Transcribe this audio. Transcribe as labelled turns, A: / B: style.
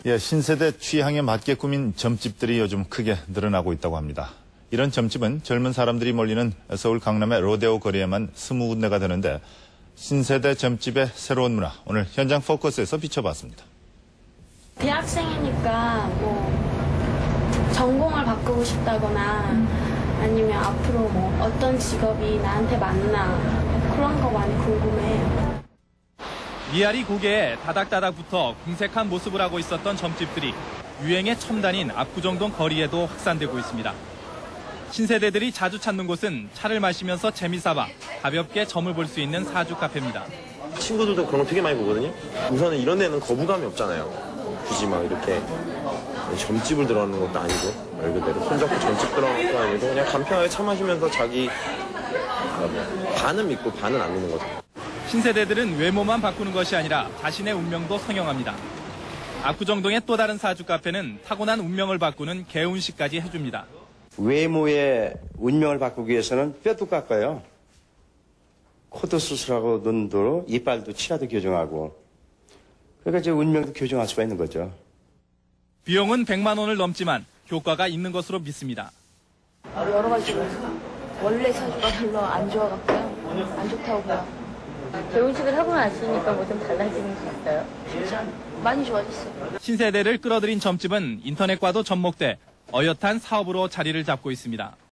A: 예, 신세대 취향에 맞게 꾸민 점집들이 요즘 크게 늘어나고 있다고 합니다. 이런 점집은 젊은 사람들이 몰리는 서울 강남의 로데오 거리에만 20군데가 되는데 신세대 점집의 새로운 문화, 오늘 현장 포커스에서 비춰봤습니다.
B: 대학생이니까 뭐 전공을 바꾸고 싶다거나 아니면 앞으로 뭐 어떤 직업이 나한테 맞나 그런 거 많이 궁금해요.
C: 미아리 고개에 다닥다닥 붙어 궁색한 모습을 하고 있었던 점집들이 유행의 첨단인 압구정동 거리에도 확산되고 있습니다. 신세대들이 자주 찾는 곳은 차를 마시면서 재미삼아 가볍게 점을 볼 수 있는 사주 카페입니다.
D: 친구들도 그런 거 되게 많이 보거든요. 우선은 이런 데는 거부감이 없잖아요. 굳이 막 이렇게 점집을 들어가는 것도 아니고 말 그대로 손잡고 점집 들어가는 것도 아니고 그냥 간편하게 차 마시면서 자기 반은 믿고 반은 안 믿는 거죠.
C: 신세대들은 외모만 바꾸는 것이 아니라 자신의 운명도 성형합니다. 압구정동의 또 다른 사주 카페는 타고난 운명을 바꾸는 개운식까지 해줍니다.
E: 외모의 운명을 바꾸기 위해서는 뼈도 깎아요. 코도 수술하고 눈도, 이빨도, 치아도 교정하고. 그러니까 제 운명도 교정할 수가 있는 거죠.
C: 비용은 100만 원을 넘지만 효과가 있는 것으로 믿습니다.
F: 여러 가지로 원래 사주가 별로 안 좋아갖고요. 안 좋다고 봐요.
G: 개운식을 하고 나시니까 뭐 좀 달라지는 게 있어요?
F: 진짜 많이 좋아졌어요.
C: 신세대를 끌어들인 점집은 인터넷과도 접목돼 어엿한 사업으로 자리를 잡고 있습니다.